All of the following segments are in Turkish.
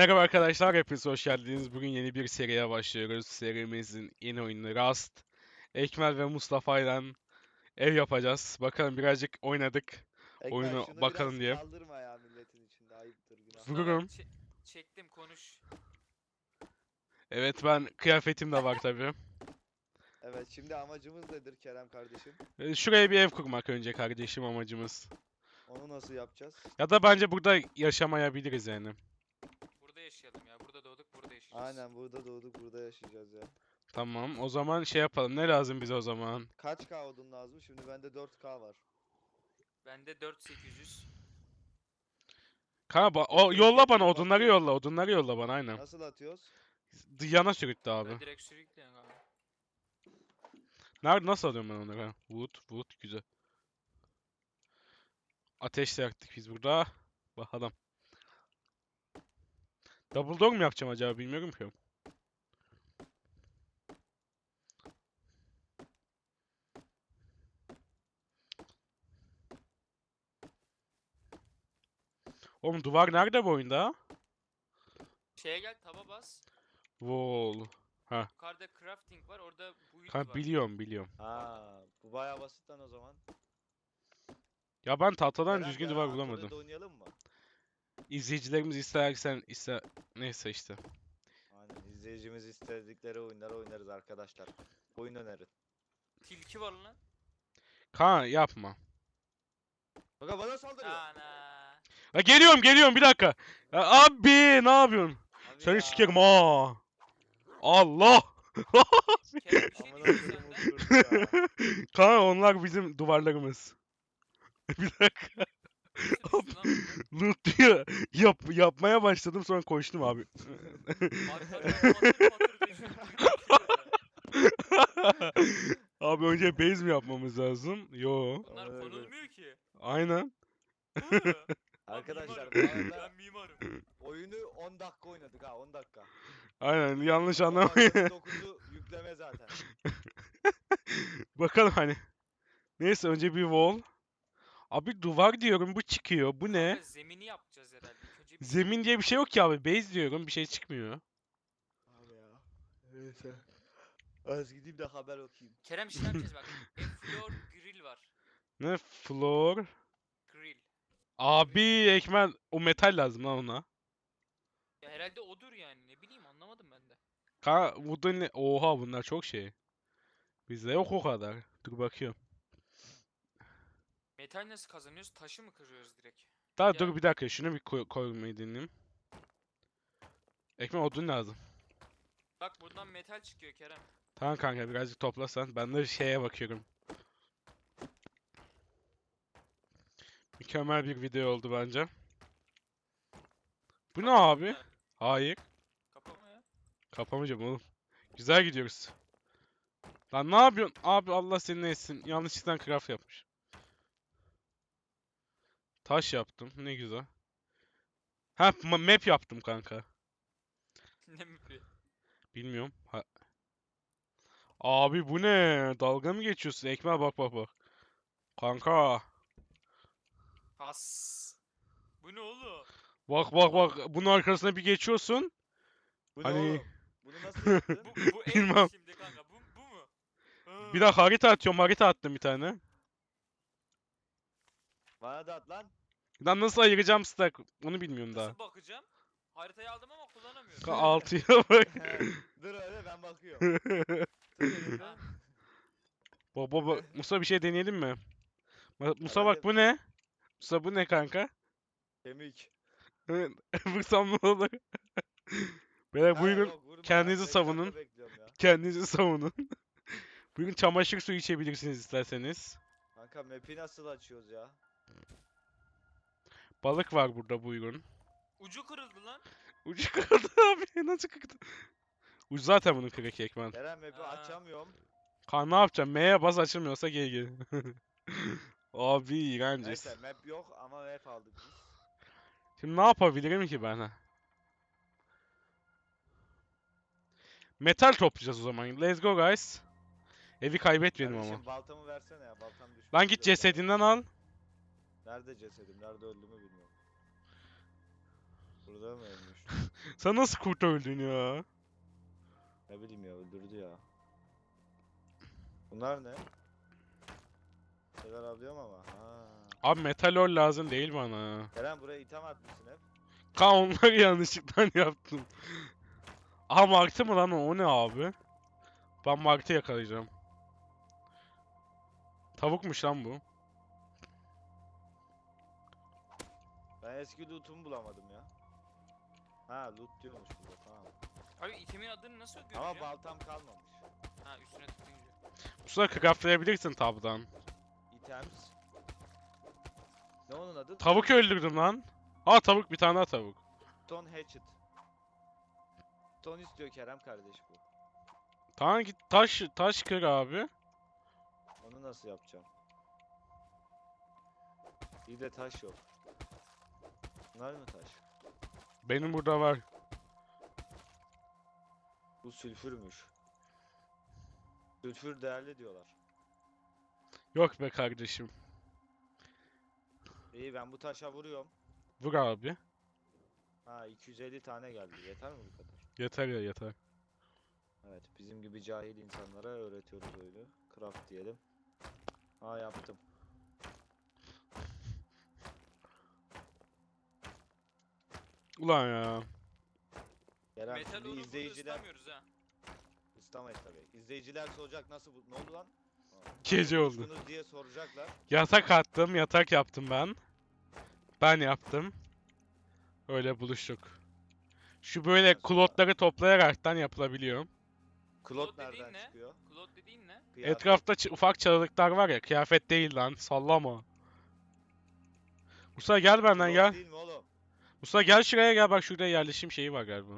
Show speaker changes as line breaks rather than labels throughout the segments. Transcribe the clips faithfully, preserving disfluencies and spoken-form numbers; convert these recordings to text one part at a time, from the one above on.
Merhaba arkadaşlar, hepiniz hoş geldiniz. Bugün yeni bir seriye başlıyoruz. Serimizin yeni oyunu Rust. Ekmel ve Mustafa ile ev yapacağız. Bakalım birazcık oynadık.
Ekmel
Oyunu
şunu
bakalım
biraz
diye.
kaldırma ya milletin içinde ayıptır günah.
Mustafa
Vururum.
çe- çektim konuş.
Evet, ben kıyafetim de var tabii.
Evet, şimdi amacımız nedir Kerem kardeşim?
Ee, Şuraya bir ev kurmak önce kardeşim amacımız.
Onu nasıl yapacağız?
Ya da bence burada yaşamayabiliriz yani.
Burada yaşayalım ya. Burada doğduk, burada yaşayacağız.
Aynen, burada doğduk, burada yaşayacağız ya.
Tamam, o zaman şey yapalım. Ne lazım bize o zaman?
Kaç K odun lazım? Şimdi bende dört K var.
Bende dört bin sekiz yüz.
Kanka ba- o yolla bana odunları yolla. Odunları yolla bana aynen.
Nasıl atıyoruz?
Yana sürüklü abi.
Böyle direkt sürükleyin abi.
Nerede nasıl alıyorum ben onları? Wood, wood güzel. Ateş de yaktık biz burada. Bakalım. Double door mu yapacağım acaba bilmiyorum ki. Oğlum duvar nerede bu oyunda?
Şeye gel, taba bas.
Wall.
Yukarıda crafting var, orada build
Kanka
var.
biliyorum biliyorum.
Ha, bu bayağı basit lan o zaman.
Ya ben tahtadan
Kerem,
düzgün
yarın
duvar
Antalya'da
bulamadım.
oynayalım mı?
İzleyicilerimiz istersen ister neyse işte.
Aynen, izleyicimiz istedikleri oyunları oynarız arkadaşlar. Oyun önerin.
Tilki var lan.
Kaan yapma.
Bakın bana saldırıyor.
Ana.
Ha, geliyorum geliyorum bir dakika. Ya, abi ne yapıyorsun?
Abi
Seni
ya.
sikerim ha. Allah.
Kerem bir şey
Amına
diyeyim
koyduğumun
senden.
kurdu ya.
Kaan onlar bizim duvarlarımız. Bir dakika.
Nasıl düştü lan bunlar?
Loot diyor. Yap, yapmaya başladım sonra koştum abi.
Arkadan patır patır düştü.
Abi önce base mi yapmamız lazım? Yo.
Bunlar
Amına koyayım.
konulmuyor ki.
Aynen.
Hı. Ben
Arkadaşlar bu
mimarım.
arada
Ben mimarım.
oyunu on dakika oynadık ha, on dakika.
Aynen yanlış
on
anlamayın.
dakikada dokuzu yükleme zaten.
Bakalım hani. Neyse önce bir wall. Abi duvar diyorum bu çıkıyor. Bu ne?
Kanka zemini yapacağız herhalde. İlk önce bir
Zemin diye bir şey yok ki abi. Base diyorum bir şey çıkmıyor.
Abi ya. Neyse. Az gideyim de haber okuyayım.
Kerem şey yapacağız bak. E, floor grill var.
Ne? Floor.
Grill.
Abi ekmen o metal lazım lan ona.
Ya herhalde odur yani. Ne bileyim anlamadım ben de.
Ka wooden ne? Oha bunlar çok şey. Bizde yok o kadar. Dur bakıyorum.
Metal nasıl kazanıyoruz? Taşı mı kırıyoruz direkt?
Daha
Ya-
dur bir dakika şunu bir koy koymayı deneyeyim. Ekmek odun lazım.
Bak buradan metal çıkıyor Kerem.
Tamam kanka birazcık toplasan. Ben de şeye bakıyorum. Mükemmel bir video oldu bence. Bu ne
Kapattın
abi?
mı?
Hayır.
Kapama ya.
Kapamayacağım oğlum. Güzel gidiyoruz. Lan ne yapıyorsun? Abi Allah seni ne etsin. Yanlışlıkla craft yapmış. Taş yaptım. Ne güzel. Ha ma- map yaptım kanka.
Ne mi?
Bilmiyorum. Ha. Abi bu ne? Dalga mı geçiyorsun? Ekmeğe bak bak bak. Kanka.
Has. Bu ne oğlum?
Bak bak bak. Bunun arkasına bir geçiyorsun.
Bu ne
Hani
oğlum? Bunu nasıl yaptın?
Bu, bu ev
Bilmem.
mi şimdi kanka? Bu, bu mu?
Bir dakika harita atıyorum. Harita attım bir tane.
Bana da at lan.
Lan nasıl ayıracağım stack? Onu bilmiyorum daha.
Nasıl bakacağım? Haritayı aldım ama kullanamıyorum.
Ka- Altıya bak.
Dur öyle, ben bakıyorum. Tut elini.
Ha,
Baba bak. Musa bir şey deneyelim mi? Ma- Musa bak
Herhalde
bu ne? Musa bu ne kanka?
kemik.
Vursam ne olur? Beyler
Ha,
buyurun
yok, vurma.
kendinizi
beş dakika
savunun.
bekliyorum ya.
Kendinizi savunun. Bugün çamaşır suyu içebilirsiniz isterseniz.
Kanka map'i nasıl açıyoruz ya?
Balık var burada buyurun.
ucu kırıldı lan.
Ucu kırıldı abi. Nasıl kırıldı? Ucu zaten bunun kırık ekmen.
Kerem map'i
Ha.
açamıyorum.
Kan ne yapacağım? M'ye bas açılmıyorsa gel gel. Abi iğrenciz.
Neyse, map yok ama map aldık biz.
Şimdi ne yapabilirim ki ben? Ha? Metal toplayacağız o zaman. Let's go guys. Evi kaybetmeyelim ama.
Kardeşim baltamı versene ya, baltam düşmüş.
Lan git
biliyorum
cesedinden al.
ben. Nerede cesedim? Nerede öldüğümü bilmiyorum. Burada mı ölmüş?
Sen nasıl kurt öldün ya?
Ne bileyim ya, öldürdü ya. Bunlar ne? Şeyler alıyorum ama. Ha.
Abi metal ore lazım değil bana.
Eren buraya item atmışsın hep.
Ka onları yanlışlıkla yaptım. Aha martı mı lan o? O ne abi? Ben martı yakalayacağım. Tavukmuş lan bu.
Ben eski loot'umu bulamadım ya. Ha, loot diyormuş burada, tamam.
Abi itemin adını nasıl göreceğim?
Ama baltam kalmamış.
Ha üstüne tıklayınca.
Usta craftlayabilirsin tabdan.
Items. Ne onun adı?
Tavuk öldürdüm lan. Aa tavuk, bir tane daha tavuk.
Stone Hatchet. Stone istiyor Kerem kardeş bu.
Tamam git taş taş kır abi.
Onu nasıl yapacağım? İyi de taş yok. Bunlar mı taş?
Benim burada var.
Bu sülfürmüş. Sülfür değerli diyorlar.
Yok be kardeşim.
İyi, ben bu taşa vuruyorum.
Vur abi.
Ha, iki yüz elli tane geldi. Yeter mi bu kadar?
Yeter ya yeter.
Evet, bizim gibi cahil insanlara öğretiyoruz öyle. Craft diyelim. Ha, yaptım.
Ulan ya.
Kerem,
Metal
şimdi
oru burada
izleyiciler...
ıslamıyoruz ha.
İstamayız tabii. İzleyiciler soracak, nasıl bu... Ne oldu lan?
Gece oldu.
Buluştunuz diye soracaklar.
Yatak attım, yatak yaptım ben. Ben yaptım. Öyle buluştuk. Şu böyle
Ondan sonra-
klotları toplayaraktan yapılabiliyor.
Klot
Klot dediğin
nereden
ne?
çıkıyor?
Claude dediğin ne?
Kıyafet.
Etrafta ç- ufak çalılıklar var ya, kıyafet değil lan, sallama. Musa gel benden
Klot
gel.
değil mi oğlum?
Musa gel şuraya gel, bak şurada yerleşim şeyi var galiba.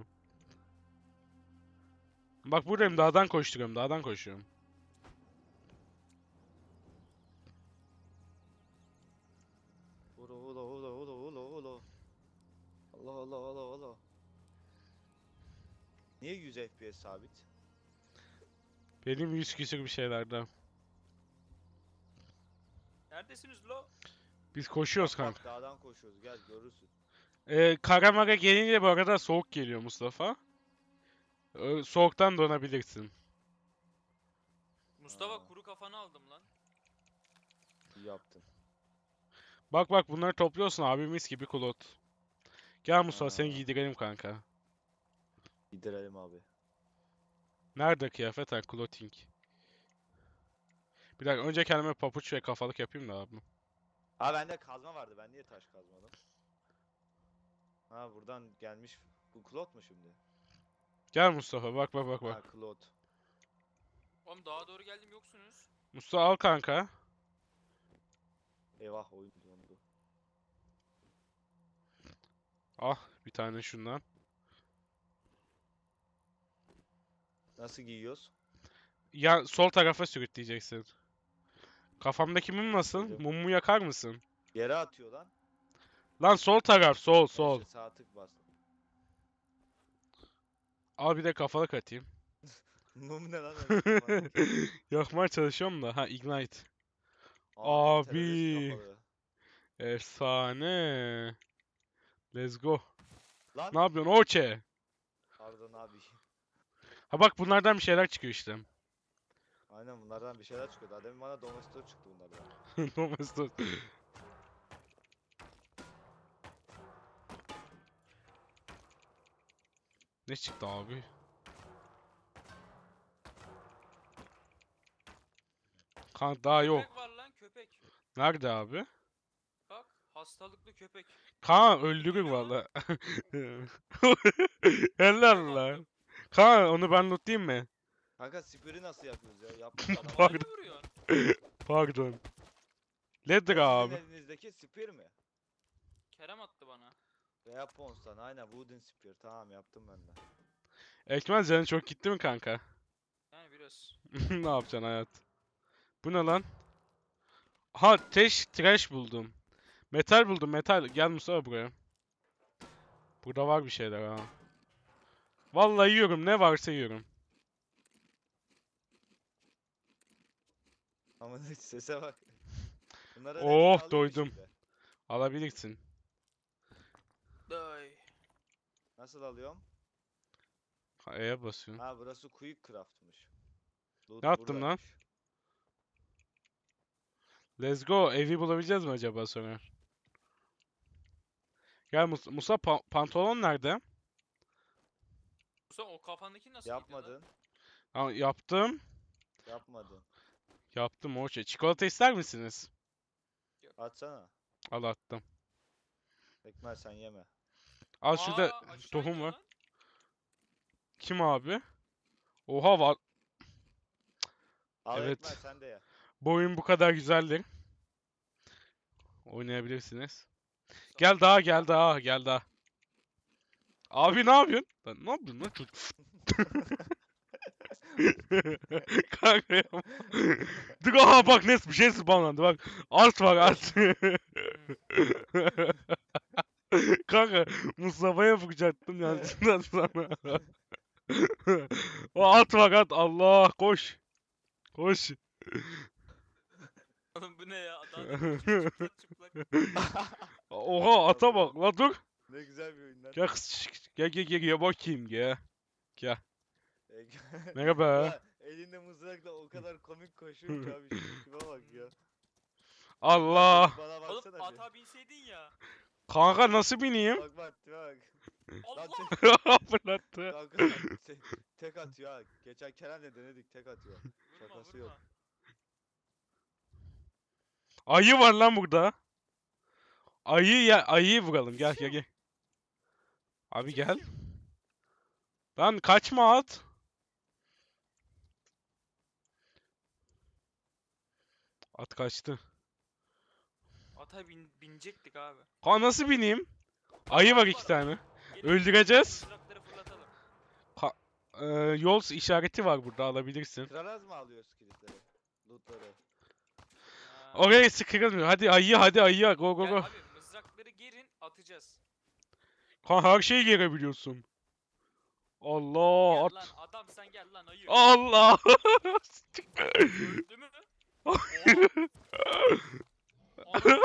Bak buradayım, dağdan koşturuyorum, dağdan koşuyorum.
Ula ula ula ula ula ula. Allah Allah Allah Allah. Niye yüz F P S sabit?
Benim yüz küsür bir şeylerden.
Neredesiniz lo?
Biz koşuyoruz
Bak, bak,
kanka.
dağdan koşuyoruz, gel görürsün.
Ee, Karamara gelince bu arada soğuk geliyor Mustafa. Ee, soğuktan donabilirsin.
Mustafa
Aa.
kuru kafanı aldım lan.
İyi yaptın.
Bak bak bunları topluyorsun abi, mis gibi kulot. Gel Mustafa seni
Aa.
giydirelim kanka.
Giderelim abi.
Nerede kıyafet? Ha, clothing. Bir dakika önce kendime papuç ve kafalık yapayım da abi.
Ha, bende kazma vardı, ben niye taş kazmadım? Ha, buradan gelmiş. Bu klot mu şimdi?
Gel Mustafa, bak bak bak
Ha,
bak.
klot.
Oğlum dağa doğru geldim yoksunuz.
Mustafa al kanka.
Eyvah, oyun dondu.
Al bir tane şundan.
Nasıl giyiyoruz?
Ya sol tarafa sürükleyeceksin. Kafamdaki mum nasıl?
Sürükledim.
Mumu yakar mısın?
Yere atıyor lan.
Lan sol taraf, sol sol.
Neyse, sağ tık bas.
Al bir de kafalık atayım.
Mum ne lan öyle kafanın?
Yakmaya çalışıyorum da. Ha ignite.
Aa,
Abi.
terörist kafalı.
Efsane. Let's go.
Lan.
Ne yapıyorsun Oçe?
Pardon abi.
Ha bak bunlardan bir şeyler çıkıyor işte.
Aynen, bunlardan bir şeyler çıkıyor. Daha demin bana Domestor çıktı bunlardan.
Domestos. Ne çıktı abi? Kan daha yok.
Köpek var lan köpek.
Nerede abi?
Bak hastalıklı köpek.
Kaan öldürür
Geliyor
valla.
Köpek
Helal lan.
attım.
Kaan onu ben lootlayayım mı?
Kanka, spiri nasıl yapıyoruz ya? Yapmış adam.
Havayla
Pardon.
vuruyorsun.
Pardon. Leather
O sizin
abi.
elinizdeki spir mi?
Kerem attı bana.
Weapons'tan aynen, wooden spear. Tamam, yaptım ben de.
Ekmez canın çok gitti mi kanka?
Yani biraz.
Ne yapacaksın hayat? Bu ne lan? Ha teş trash buldum. Metal buldum metal. Gel Mustafa buraya. Burada var bir şeyler ha. Vallahi yiyorum, ne varsa yiyorum.
Ama sese bak. Bunlara
Oh, doydum. Alabilirsin.
Day.
Nasıl alıyorum?
Ha, E'ye basıyorsun.
Ha burası quick craft'mış. Loot
Ne yaptın lan?
buradaymış.
Let's go. Evi bulabileceğiz mi acaba sonra? Gel Mus Musa pa- pantolon nerede?
Musa o kafandaki nasıl gidiyor lan?
Yapmadın.
Ha, yaptım.
Yapmadın.
Yaptım o şey. Çikolata ister misiniz?
Atsana.
Al attım.
Ekmel sen yeme.
Al şurada
Aa, aşağı
tohum
iniyor
var.
lan.
Kim abi? Oha var.
Al
Evet.
Ekmel sen de ye.
Bu oyun bu kadar güzeldir. Oynayabilirsiniz. Gel daha gel daha gel daha. Abi ne yapıyorsun? Lan ne yapıyorsun lan çocuk? Kanka yapma. Dur aha bak ne bir şey spawnlandı bak. Art var art. Kanka Mustafa'ya bakacaktım yanlışlıkla sana. O at var at Allah koş. Koş.
Oğlum bu ne ya? Daha da çıplak çıplak.
Oha ata bak la dur.
Ne güzel bir oyun lan.
Gel kız- gel gel gel gel bakayım gel.
Ek-
Merhaba.
Ya elinde mızrakla o kadar komik koşuyor ki abi şu tipe bak ya.
Allah.
Bana
Oğlum
baksana bir.
ata binseydin ya.
Kanka nasıl bineyim?
Bak bak tipe bak. Lan
Allah!
tek,
Fırlattı.
kanka bak, te- tek atıyor ha. Geçen Kerem'le denedik tek atıyor.
Vurma
Şakası yok.
vurma.
Ayı var lan burada. Ayı ya ayıyı vuralım gel gel gel. Abi gel. Lan kaçma at. At kaçtı.
Ata bin, binecektik abi.
Kanka nasıl bineyim? Ayı var iki tane.
Gelin,
Öldüreceğiz.
mızrakları fırlatalım.
Ee, yol işareti var burada alabilirsin.
Kraraz mı alıyoruz kilitleri? Lootları.
Ha.
Oraya sıkılmıyor. Hadi ayı hadi ayı go go
Gel
go.
abi mızrakları gerin atacağız.
Kanka her şeyi gelebiliyorsun. Allah
Gel
at.
lan adam sen gel lan ayı.
Allah.
Öldü mü? Oha. Ananı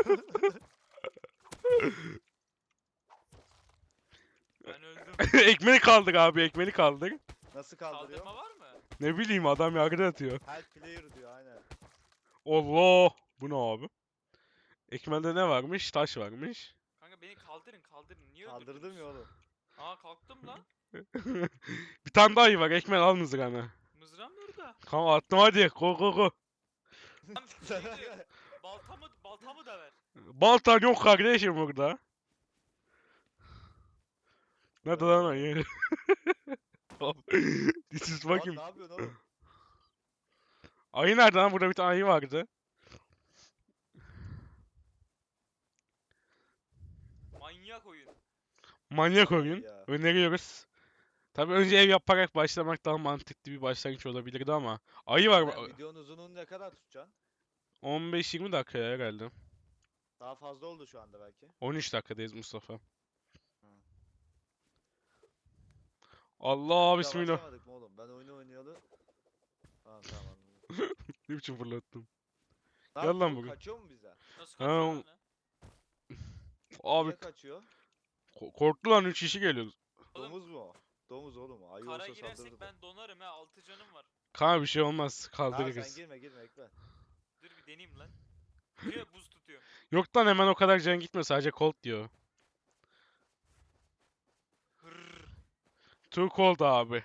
ben öldüm.
Ekmeği kaldır abi ekmeği kaldır.
Nasıl kaldırıyor?
Kaldırma var mı?
Ne bileyim adam yargıda atıyor.
Help player diyor aynen.
Allah. Bu ne abi? Ekmelde ne varmış? Taş varmış.
Kanka beni kaldırın kaldırın. Niye
Kaldırdım
öldürdünüz?
ya oğlum.
Aa kalktım lan.
Bir tane daha ayı var. Ekmek al mızrağını.
Mızrağım nerede?
Tamam attım hadi. Go go go.
Lan şey diyor, baltamı baltamı da ver.
Baltan yok kardeşim burada. Nerede lan
Öyle.
ayı? This is
Lan
fucking...
ne yapıyorsun oğlum?
Ayı nerede lan? Burada bir tane ayı vardı.
Manyak oyun.
Manyak
Ayı
oyun.
ya.
Öneriyoruz. Tabii önce ev yaparak başlamak daha mantıklı bir başlangıç olabilirdi ama. Ayı var.
Sen videonun uzunluğunu ne kadar tutacaksın?
on beş yirmi dakika herhalde.
Daha fazla oldu şu anda belki.
on üç dakikadayız Mustafa.
Hı.
Allah
Daha
bismillah.
başlamadık mı oğlum? Ben oyunu oynayalı. Tamam tamam anladım.
Ne biçim fırlattım.
Ne
Gel lan
yapıyor?
bugün.
Kaçıyor mu bize?
Nasıl
Ha,
kaçıyor
o-
lan?
Abi
Niye kaçıyor?
ko- korktu lan üç kişi geliyordu.
Oğlum,
Domuz mu? o? Domuz oğlum o. Ayı
Kara
olsa
girersek
saldırırdı.
ben donarım ha altı canım var.
Kanka bir şey olmaz.
Ha sen
Kaldırırız.
girme girme ekle.
Dur bir deneyeyim lan. Diyor buz tutuyor.
Yok lan hemen o kadar can gitmiyor. Sadece cold diyor.
Hırrrr.
Too cold abi.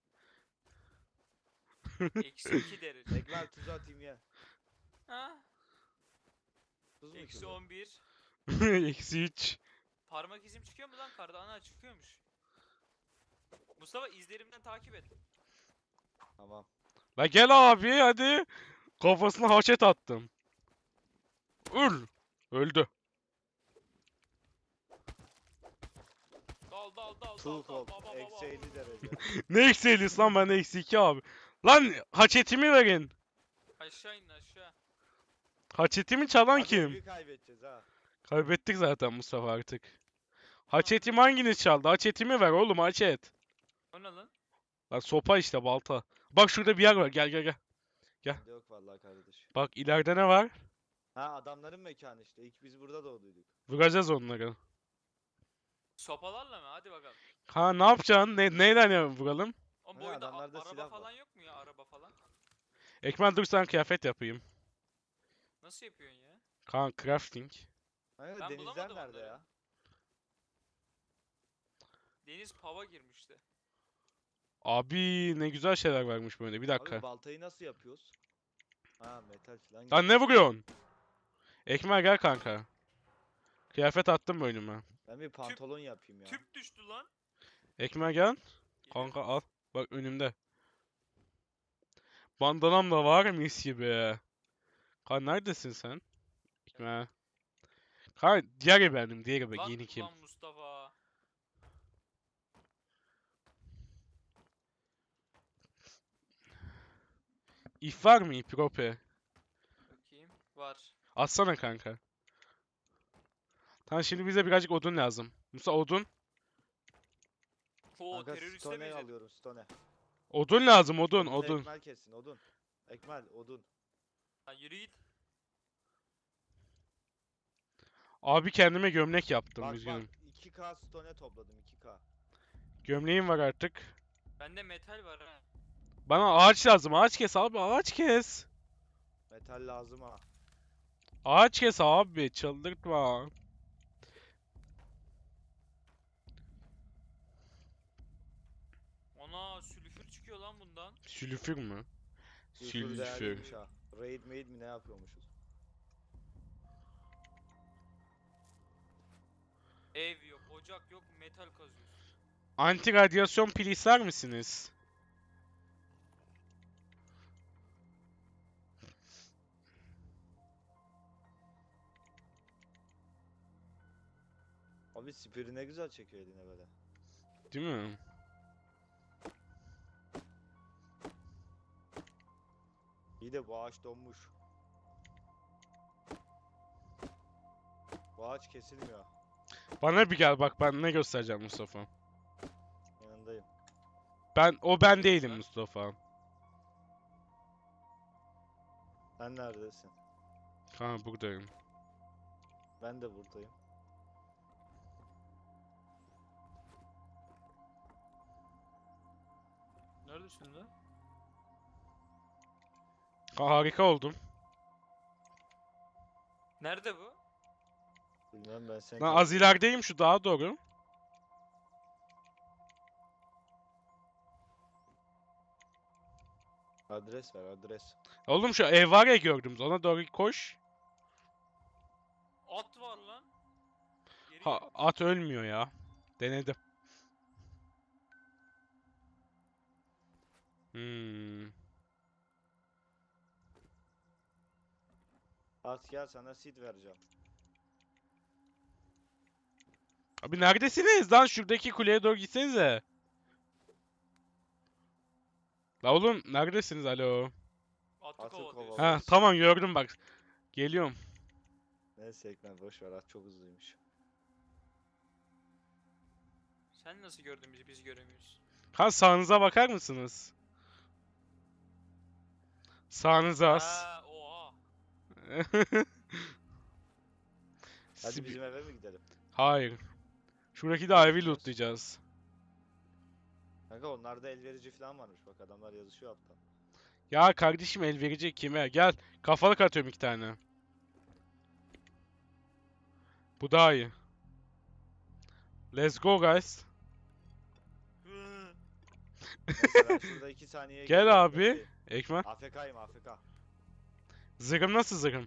Eksi iki derece.
Ekmel tuz atayım ye.
Ha?
Tuz mu
Eksi
ki bu?
on bir.
Eksi üç.
Parmak izim çıkıyor mu lan karda? Ana çıkıyormuş. Mustafa izlerimden takip et.
Tamam.
La gel abi hadi. Kafasına haşet attım. Öl. Öldü.
Dal dal dal dal
Too
dal.
cold.
Ba, ba, ba, ba.
Eksi elli derece.
Ne eksi ellisi lan ben eksi iki abi. Lan haçetimi verin.
Aşağı in aşağı.
Haçetimi çalan
Hadi
kim?
evi kaybedeceğiz ha.
Kaybettik zaten Mustafa artık. Haçetimi hanginiz çaldı? Haçetimi ver oğlum haçet.
O ne lan?
Lan sopa işte balta. Bak şurada bir yer var gel gel gel.
Bende yok vallahi kardeş.
Bak ileride ne var?
Ha adamların mekanı işte. İlk biz burada doğduyduk.
Vuracağız onları.
Sopalarla mı? Hadi bakalım.
Ha ne yapacaksın? Ne, neyden ya vuralım?
O bu
Hani
oyunda a-
adamlarda
araba
silah var.
falan yok mu ya? Araba falan.
Ekmen dur sana kıyafet yapayım.
Nasıl yapıyorsun ya?
Kaan crafting.
Hani
Ben
denizler
bulamadım
nerede
onları.
ya?
Deniz pava girmişti.
Abi ne güzel şeyler varmış böyle. Bir dakika.
Abi baltayı nasıl yapıyoruz? Ha metal falan
Lan ne
gerekiyor.
vuruyorsun? Ekmen gel kanka. Kıyafet attım mı önüme?
Ben bir pantolon yapayım ya.
Tüp düştü lan.
Ekmen gel.
Geliyorum.
Kanka al. Bak önümde. Bandanam da var mis gibi. Kaan neredesin sen? Ekmen. Kaan diğer benim. Diğer be.
Lan
Yeni kim?
lan Mustafa.
İp var mı ip? Rope.
Bakayım. Var.
Atsana kanka. Tamam şimdi bize birazcık odun lazım. Musa odun.
Oo
Kanka
teröriste
stone
benzedim.
alıyorum stone.
Odun lazım odun
Odunu
odun.
ekmel kessin odun. Ekmel odun.
Lan yürü git.
Abi kendime gömlek yaptım
Bak bak
üzgünüm.
iki K stone topladım iki K.
Gömleğim var artık.
Bende metal var ha.
Bana ağaç lazım. Ağaç kes abi ağaç kes.
Metal lazım ha.
Ağaç kes abi çıldırtma.
Ona sülfür çıkıyor lan bundan.
Sülfür mü?
Sülfür
Sülfür.
değerliymiş ha. Raid made mi ne yapıyormuşuz?
Ev yok, ocak yok, metal kazıyoruz.
Anti radyasyon pili ister misiniz?
Abi spiri ne güzel çekiyor eline böyle.
Değil mi?
İyi de bu ağaç donmuş. Bu ağaç kesilmiyor.
Bana bir gel bak ben ne göstereceğim Mustafa.
Yanındayım.
Ben o ben
Neredesin
değilim
lan?
Mustafa.
Sen neredesin?
Ha buradayım.
Ben de buradayım.
Neredesin lan?
Ha, harika oldum.
Nerede bu?
Bilmem ben seni
Lan az
takip ediyorum.
ilerideyim şu daha doğru.
Adres ver adres.
Oğlum şu ev var ya gördüm. Ona doğru koş.
At var lan. Geri
Ha,
gel.
at ölmüyor ya. Denedim. Hmm.
At gel sana seed vereceğim.
Abi neredesiniz lan? Şuradaki kuleye doğru gitsenize. La oğlum neredesiniz? Alo.
Atı
Atı
kovalıyoruz.
kovalıyoruz.
Ha tamam gördüm bak. Geliyorum.
Neyse Ekmel boş ver at çok hızlıymış.
Sen nasıl gördün bizi biz göremiyoruz.
Ha sağınıza bakar mısınız? Sağınıza az.
Ha oha.
Hadi
Sibi-
bizim eve mi gidelim?
Hayır. Şuradaki de
Nereye
evi
gideceğiz?
lootlayacağız.
Kanka onlarda el verici falan varmış bak adamlar yazışıyor altta.
Ya kardeşim el verecek kime? Gel. Kafalık atıyorum iki tane. Bu daha iyi. Let's go guys.
Neyse ben şurada iki saniyeye
Gel
geliyorum,
abi.
bekleyin.
Ekmen.
A F K'yım A F K.
Zırhım nasıl zırhım?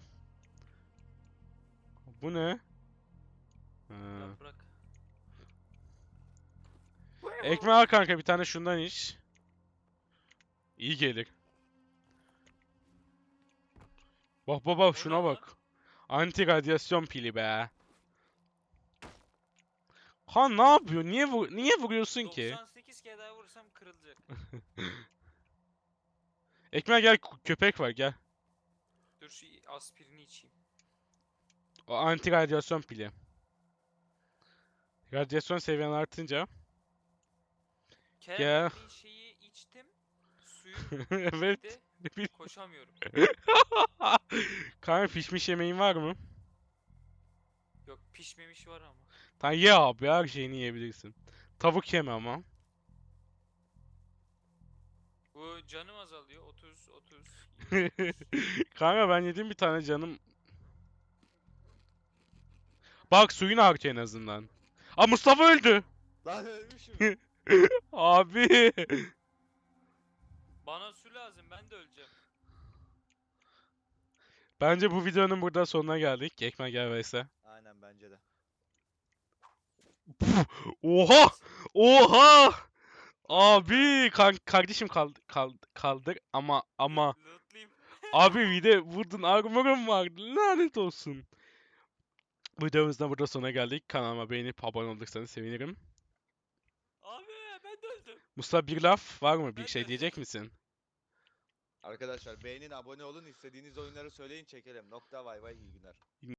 Bu ne? Ha.
Yaprak.
Ekmeği al kanka bir tane şundan iç. İyi gelir. Bak bak bak
O
şuna
ne lan?
bak. Anti radyasyon pili be. Ha ne yapıyor? Niye vur niye vuruyorsun ki?
doksan sekiz kere daha vursam kırılacak.
Ekmeğe gel k- köpek var gel.
Dur şu aspirini içeyim.
O anti radyasyon pili. Radyasyon seviyen artınca.
Kerem
Gel.
verdiğin şeyi içtim. Suyum
Evet.
bitti. Koşamıyorum.
Kanka pişmiş yemeğin var mı?
Yok pişmemiş var ama.
Tamam ye abi her şeyini yiyebilirsin. Tavuk yeme ama.
Bu canım azalıyor. otuz, otuz, yirmi, otuz.
Kanka ben yedim bir tane canım. Bak suyun artıyor en azından. Aa Mustafa öldü.
Lan ölmüşüm.
Abi.
Bana su lazım. Ben de öleceğim.
Bence bu videonun burada sonuna geldik. Ekmek gel Veysel.
Aynen bence de.
Oha! Oha! Abi kan kardeşim kaldı kaldı kaldır ama ama
Loot- Lootlayayım.
abi bir de vurdun armorum vardı lanet olsun. Bu videomuzda burada sona geldik. Kanalıma beğenip abone olursanız sevinirim.
Abi ben de öldüm.
Mustafa bir laf var mı? Bir
Ben
şey
de-
diyecek misin?
Arkadaşlar beğenin, abone olun, istediğiniz oyunları söyleyin, çekelim. Nokta, vay vay, iyi günler.